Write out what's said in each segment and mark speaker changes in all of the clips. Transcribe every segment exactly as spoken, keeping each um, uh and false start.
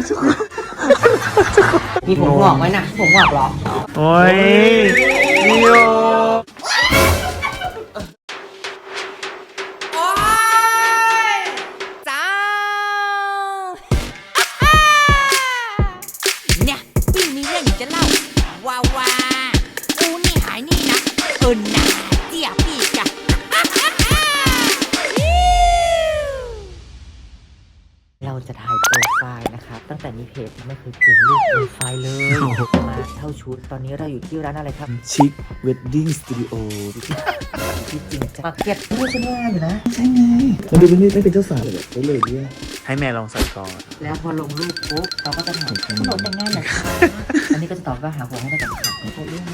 Speaker 1: มีผมงอกไหมนะผมงอกเหรอ
Speaker 2: โอ้ยนิโอ
Speaker 1: โอ้ยจ้าเนี่ยพี่มีเรื่องจะเล่าว้าวากูนี่หายนี่นะเอิญนะเจียพี่จ้ะเราจะถ่ายโปรไฟล์นะครับตั้งแต่มีเพจไม่เคยเปลี่ยนรูปโปรไฟล์เลยมาเท่าชุดตอนนี้เราอยู่ที่ร้านอะไรครับ
Speaker 2: ชิคเวดดิ้งสตูดิโอ
Speaker 1: ที่จริงจะมาเก็ตด้วยฉันว่าอยู่นะ
Speaker 2: ใช่ไงมันดูเป็นไม่เป็นเจ้าสาวเลยแบบเลยเนี่ยให้แม่ลองใส่ก่อน
Speaker 1: แล้วพอลงรูปปุ๊บเราก็จะถามคุณหนูแต่งงานหน่อยค่ะอันนี้ก็จะตอบว่าหาหัวให้ได้กับค่ะเขาเรื่อง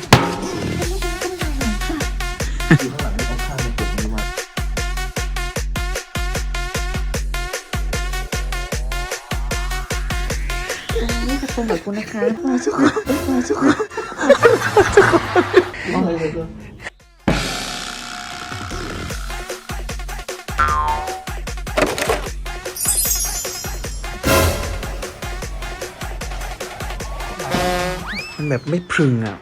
Speaker 1: อยู่ข้างหลังไม่ต้องข้ามในกลุ่มนี้มานี่ขอบคุณแบบคุณนะคะขอชุกขอชุกขอเลยก็
Speaker 2: มันแบบไม่พรึงอ่ะ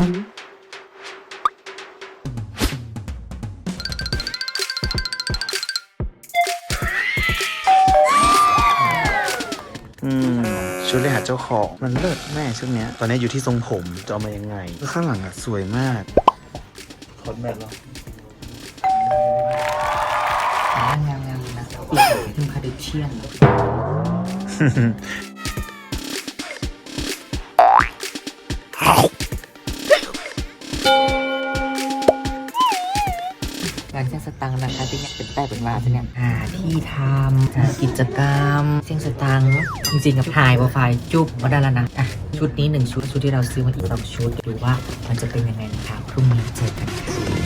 Speaker 2: อืมชุดเลยหาเจ้าของมันเลิศแม่ชุดเนี้ยตอนนี้อยู่ที่ทรงผมจะเอามายังไงข้างหลังอ่ะสวยมากคอนแมทเหรอง
Speaker 1: ามงามนะปีกถึงคาเดเชียนงานเชียงสตังนะคะที่เนี่ยเป็นแต่เป็นว่าเป็นเนี่ยหาที่ทำหากิจกรรมเชียงสตังจริงๆกับถ่ายโปรไฟล์จุ๊บมาได้แล้วนะอ่ะชุดนี้หนึ่งชุดชุดที่เราซื้อมาอีกสองชุดดูว่ามันจะเป็นยังไงนะคะพรุ่งนี้เจอกัน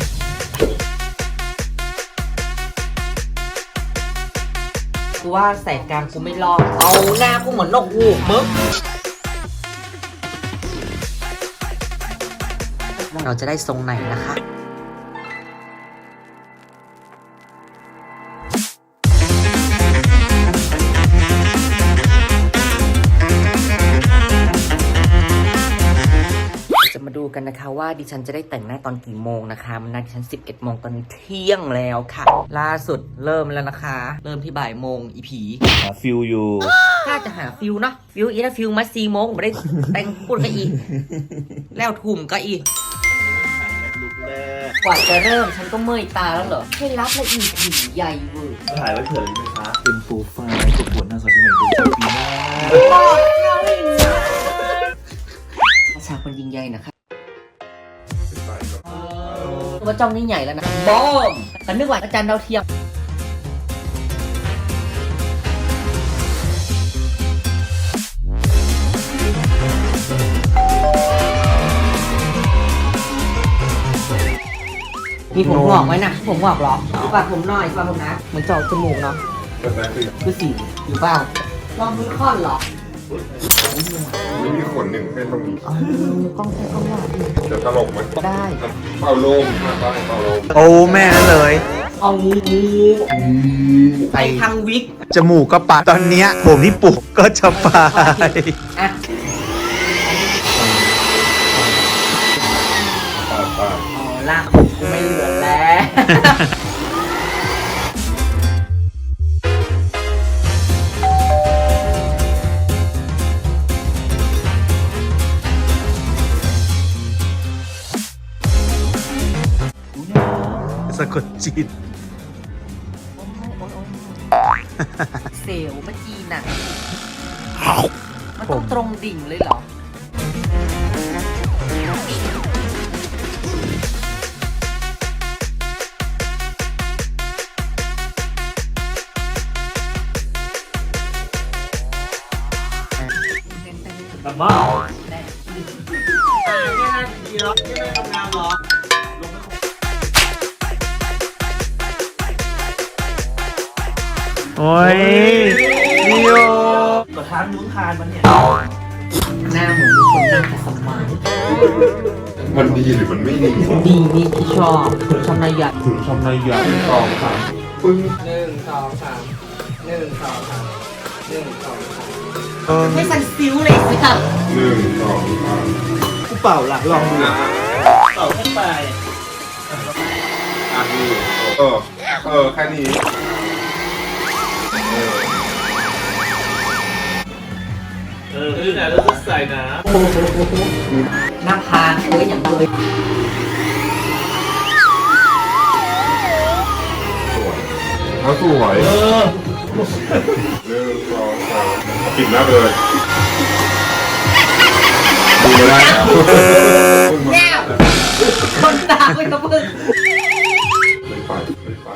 Speaker 1: กูว่าใส่กลางกูไม่รอดเอาหน้ากูเหมือนนกฮูกมึงเราจะได้ทรงไหนนะคะจะมาดูกันนะคะว่าดิฉันจะได้แต่งหน้าตอนกี่โมงนะคะมันนัดดิฉันสิบเอ็ดโมงตอนนี้เที่ยงแล้วค่ะล่าสุดเริ่มแล้วนะคะเริ่มที่บ่ายโมงอีผี
Speaker 2: หาฟิลอยู่
Speaker 1: ถ้าจะหาฟิลเนาะฟิลอีนะฟิลมาสี่โมงไม่ได้แต่งปุ่นก็อีแล้วทุ่มก็อีกว่าจะเริ่มฉันก็เมื่อยตาแล้วเหรอให้รับและอีผีใหญ่เวอร์
Speaker 2: ถ่ายไว้เผื่อเลยไหมคะเป็นโปรไฟล์ประกวดนางสาวเชียงใหม่เป็นปีหน้า
Speaker 1: ประชาคนยิงใหญ่นะคะตัวจ้องนี่ใหญ่แล้วนะบอมกันนึกว่าอาจารย์ดาวเทียมมีผมงอกไหมนะผมงอกเหรอฝากผมหน่อยฝากผมนะเหมือนเจาะจมูกเนาะคือสีหรือเปล่าลองมือค่อนเหรอ
Speaker 3: ไม่มีขนหนึ่งเป็นตรงนี้
Speaker 1: อ๋อกล้องใช้กล้องว่า
Speaker 3: จะตลกไหม
Speaker 1: ได้
Speaker 3: เป่าลมเป่าเป่าลม
Speaker 2: โอ้แม่นั่นเลย
Speaker 1: เอางูไปทางวิก
Speaker 2: จมูกก็ปะตอนเนี้ยผมที่ปลูกก็จะไป
Speaker 1: อ่ะอ๋อลากผมกูไม่เหลือแล้ว
Speaker 2: สะกดจิต
Speaker 1: เซลล์เมื่อกี้น่ะมันต้องตรงดิ่งเลยเหรอ
Speaker 2: แบบว่า
Speaker 1: อ่าเนี่ยนะดีหรอที่ไม่ทำงานหรอ
Speaker 2: โอ้ยนิโอ
Speaker 1: ก็ทานยุ้งทานมันเนี่ยหน้าเหมือนมีคนนั่งแต่สมัย
Speaker 3: มันดีหรือมันไม่ดี
Speaker 1: ดีนี่ที่ชอบชอบนายใหญ่
Speaker 2: ชอบนายใหญ่
Speaker 3: สองสามปึ้ง
Speaker 1: หนึ่งสองสามหนึ่งสองสามหนึ่งสองสามไม่สั่นซิ้วเลยสิค่ะ
Speaker 3: หนึ่งสองสาม
Speaker 2: กูเป่าหลักลองดู
Speaker 3: อ่ะ
Speaker 2: เป่าขึ้นไป
Speaker 3: อ่ะนี่เออเออแค่นี้เออ
Speaker 2: เออแต่เราจะใส่นะ
Speaker 1: หน้าพานเคยอย่างเลย
Speaker 3: สวยเขาสวย
Speaker 2: เออ
Speaker 3: หนึ่งสองสามเอาปิดหน้าไปเลยดูไม่ได้แล้ว
Speaker 1: แง่วคนตาไม่ต้องพึ่ง
Speaker 3: ไม่ไปไม่ไป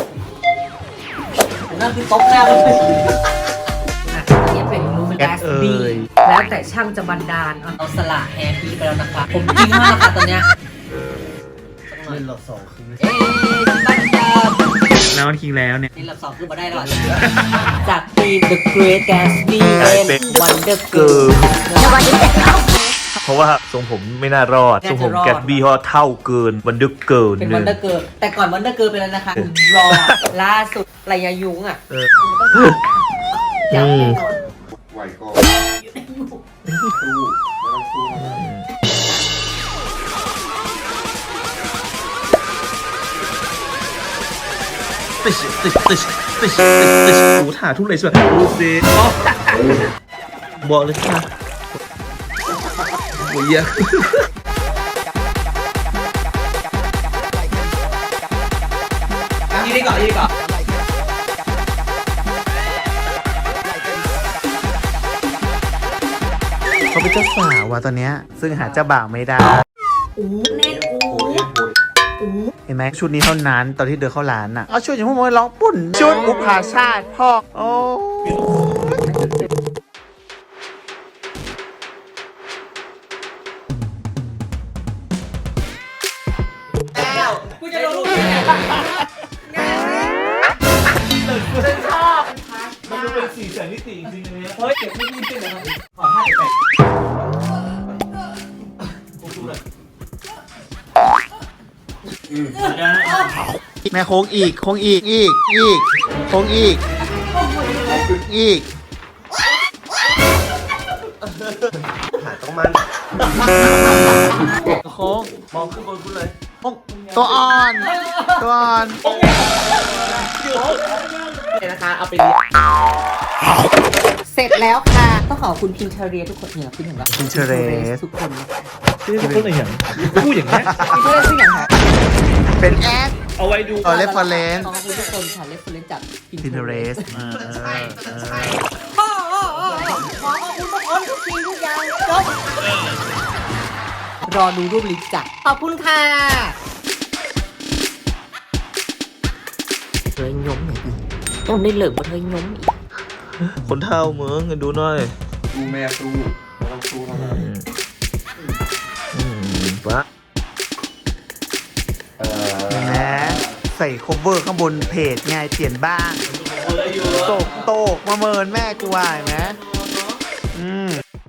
Speaker 1: นั่นคือตบหน้าเลยอ่ะอันนี้เป็นรูมันแกสบีแล้วแต่ช่างจะบันดาลอ่ะเอาสละแฮร์พีไปแล้วนะคะ ผมจริงมากค่ะตอนเนี้ย
Speaker 2: เล่นรอบสองคือ
Speaker 1: เอ๊ะบันดาล
Speaker 2: แล้วมันคิงแล้วเนี่ย
Speaker 1: นี่ลำสองคือมาได้แล้วอ่ะจากทีม The Great Gatsby เป็น Wonder Girl
Speaker 4: เพราราะว่าทรงผมไม่น่ารอด
Speaker 1: น่าจะรอด
Speaker 4: ทรงผมแกตบี้เพราะเท่าเกินวันดึกเกิน
Speaker 1: เป็น
Speaker 4: หนึ่ง
Speaker 1: Wonder Girl แต่ก่อน Wonder Girl ไปแล้วนะคะ รอล่าสุดไรยายุงอ่ะ
Speaker 4: เออ
Speaker 1: อยากแน่นอน
Speaker 3: ไหวก็สู้ไม่ต้องสู้นะ
Speaker 4: ติชติชติชติชติชติชโอ้ถ่าทุกเลยใช่ไหมดูสิบอกเลยค่ะโอ้ยย
Speaker 1: ยืนดีก่อนยืนดีก่อน
Speaker 2: เขาเป็นเจ้าสาวว่ะตอนเนี้ยซึ่งหาเจ้าบ่าวไม่ได้
Speaker 1: อู้แน่นอู้
Speaker 3: โอ้ยโอ้ย
Speaker 2: เห็นไหมชุดนี้เท่านั้นตอนที่เดินเข้าร้านอ่ะเอาชุดอย่างพวกมึงร้องปุ่น ชุดอุปาชาติพ่อโอ้
Speaker 1: กูจะลงรูปเนี่ย
Speaker 4: มันดูเป็นสีแสงนิติจริงๆเลย
Speaker 1: เฮ้ยเก็บไม่ดีขึ้นนะครับขอห้าแปด
Speaker 2: แม่โค้งอีกโค้งอีกอีกอีกโค้งอีกอีก
Speaker 4: ถ่ายต้องมัน
Speaker 2: โค้ง
Speaker 4: มองขึ้นบนคุณเลย
Speaker 2: โค้งตัวอ่อนตัวอ่อน
Speaker 1: นะคะเอาไปเรียนเสร็จแล้วค่ะต้องขอบคุณพินเทเรียทุกคนเนี่ยคุณเห็นปะ
Speaker 2: Pinterest
Speaker 1: ทุกคนนะคะ
Speaker 4: นี่เป็นคนอะไรอย่างพูดอย่างนี้
Speaker 1: พินเทเรสทุกอย่างค่ะ
Speaker 2: เป็นแอด
Speaker 4: เอาไว้ดู
Speaker 2: เอา reference
Speaker 1: ขอบคุณทุกคนค่ะเรฟเฟรนซ์จาก
Speaker 2: Pinterest เออเออเออ
Speaker 1: โอ้โอ้โอ้ขอขอบคุณทุกคนทุกทีทุกอย่างจบรอดูรูปลิสต์จ้ะขอบคุณค่ะเธอยยมหน่อยอีกต้องได้เหลิกว่าเธอยยมอีก
Speaker 4: คนเท่าเมืองดูหน่อย
Speaker 3: สู้แม่สู้ไม่ต้องสู้แล้วนะ
Speaker 4: อืมปะ
Speaker 3: เออ
Speaker 2: เห็นไหมใส่ cover ข้างบนเพจไงเปลี่ยนบ้างโตกโตกมาเมินแม่กูว่าเห็นไหมอืม